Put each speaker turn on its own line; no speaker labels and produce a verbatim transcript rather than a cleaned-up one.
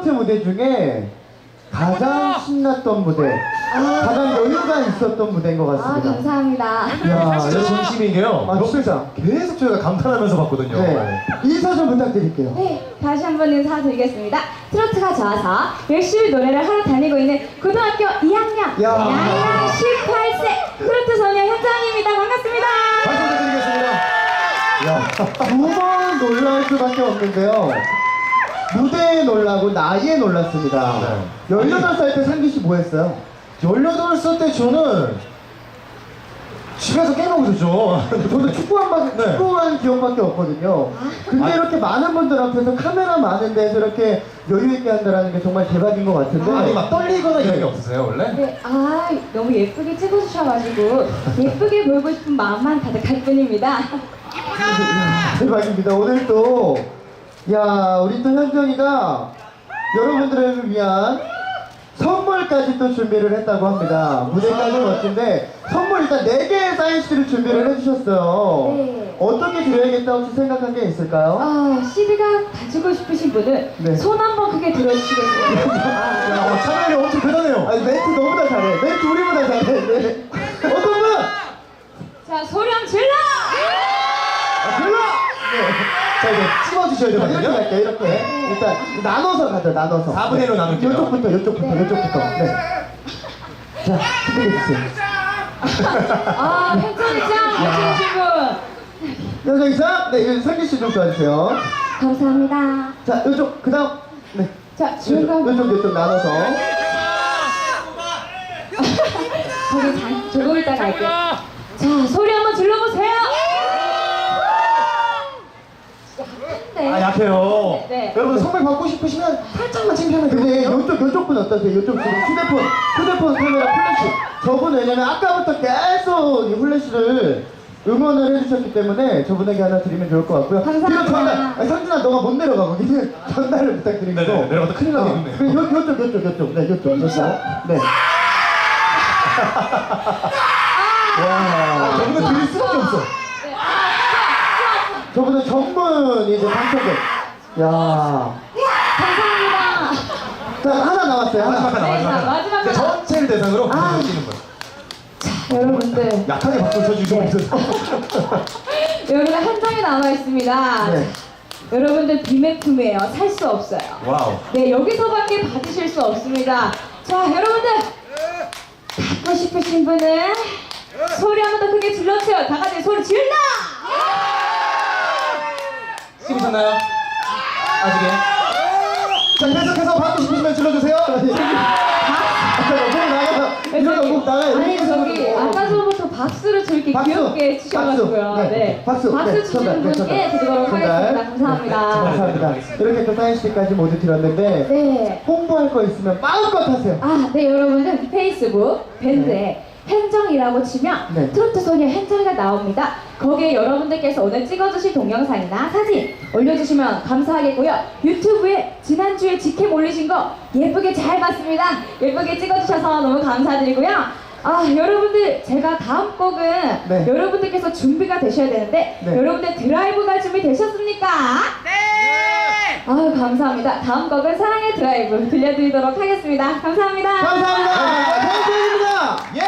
트로트 무대 중에 가장 신났던 무대, 가장 여유가 있었던 무대인 것
아,
같습니다.
감사합니다.
야,
진짜 진심인 게요.
아,
진짜 계속 저희가 감탄하면서 봤거든요.
네. 인사 좀 부탁드릴게요.
네, 다시 한번 인사드리겠습니다. 트로트가 좋아서 열심히 노래를 하러 다니고 있는 고등학교 이 학년
야.
나이랑 십팔 세 트로트 소녀 현정입니다. 반갑습니다.
박수 부탁드리겠습니다. 야,
두 번 놀랄 수밖에 없는데요. 무대에 놀라고 나이에 놀랐습니다.
네.
열여덟 살 때 상기 씨 뭐 했어요?
열여덟 살 때 저는 집에서 게임하고 있었죠.
저도 축구한 바,
네.
축구한 기억밖에 없거든요. 근데
아.
이렇게 많은 분들 앞에서 카메라 많은 데서 이렇게 여유 있게 한다는 게 정말 대박인 것 같은데.
아니 막 떨리거나 이런 게 없으세요 원래?
네, 아, 너무 예쁘게 찍어주셔가지고 예쁘게 보이고 싶은 마음만 가득할 뿐입니다.
대박입니다. 오늘 또, 야, 우리 또 현정이가 여러분들을 위한 선물까지 또 준비를 했다고 합니다. 무대까지 멋진데, 선물 일단 네 개의 사인씨를 준비를 해주셨어요.
네.
어떻게 드려야겠다 혹시 생각한 게 있을까요?
아, 씨디가 가지고 싶으신 분은
네.
손 한번 크게 들어주시겠어요?
야, 어, 참여율이 엄청 대단해요.
아니, 멘트 너무나 잘해. 멘트 우리보다 잘해. 네. 어떤 분?
자, 소령 질러!
아, 별로! 네.
자 이제 찝어주셔야
자, 이렇게
되거든요.
할게요, 이렇게. 일단, 나눠서 가자, 나눠서.
사분의 일로 나눌게요.
이쪽부터, 이쪽부터,
네.
이쪽부터. 네. 자, 준비해주세요.
아, 현정이 짱! 멋지신 분!
현정이상, 네, 이거 상기 씨 좀 도와주세요.
감사합니다.
자, 이쪽, 그 다음. 네.
자,
이쪽,
지금까지
이쪽, 이쪽 나눠서.
저기 자, 조금 이따 갈게요. 자, 소리 한번 질러보세요! 약한데?
아 약해요.
네.
여러분 선물 받고 싶으시면 살짝만 챙겨면
근데
되거든요.
이쪽, 이쪽 분 어떠세요? 이쪽 지금 휴대폰, 휴대폰 카메라 플래시. 저분 왜냐면 아까부터 계속 이 플래시를 응원을 해주셨기 때문에 저분에게 하나 드리면 좋을 것 같고요.
감사합니다.
뒤로 전달. 아니, 성진아, 너가 못 내려가. 거기는 전달을 부탁드립니다.
네네, 내려가다 큰일
어,
나겠네요.
그 요, 요쪽, 요쪽, 요쪽. 네, 요쪽, 요쪽. 네. 와.
저분은 드릴 수밖에 없어.
네. 아,
저분은 전문 이제 방청객. 야.
감사합니다.
자, 하나 남았어요.
마지막
하나.
하나
네,
마지막
자,
하나.
마지막
이제
하나.
전체를 대상으로
아.
박수를 치는 거예요.
여러분들,
약하게 박수 쳐주시고
네.
있어서.
여러분들 한 장이 남아 있습니다.
네.
여러분들 비매품이에요. 살 수 없어요.
와우.
네, 여기서밖에 받으실 수 없습니다. 자, 여러분들 받고 싶으신 분은 소리 한 번 더 크게 질러주세요. 다 같이 소리 질러!
찍으셨나요? 아직에? 자 계속해서 받고 싶으시면 질러주세요.
잠깐만, 목 나가요. 이러다 목 나가요.
아니,
이렇게
저기
해서.
아까 전부터 박수를 저렇게
박수.
귀엽게 치셔가지고요.
박수. 네.
네.
박수.
박수
네.
주시는
전달. 네,
분께
전달.
드리도록
전달.
하겠습니다. 감사합니다.
감사합니다. 이렇게 또 사인씨까지 모두 드렸는데
네.
홍보할 거 있으면 마음껏 하세요.
아, 네, 여러분들 페이스북 밴드에 현정이라고 치면
네.
트로트 소녀 현정이가 나옵니다. 거기에 여러분들께서 오늘 찍어주신 동영상이나 사진 올려주시면 감사하겠고요. 유튜브에 지난주에 직캠 올리신 거 예쁘게 잘 봤습니다. 예쁘게 찍어주셔서 너무 감사드리고요. 아, 여러분들 제가 다음 곡은
네.
여러분들께서 준비가 되셔야 되는데
네.
여러분들 드라이브 갈 준비 되셨습니까? 네! 아유, 감사합니다. 다음 곡은 사랑의 드라이브 들려드리도록 하겠습니다. 감사합니다.
감사합니다. 감사합니다.
예!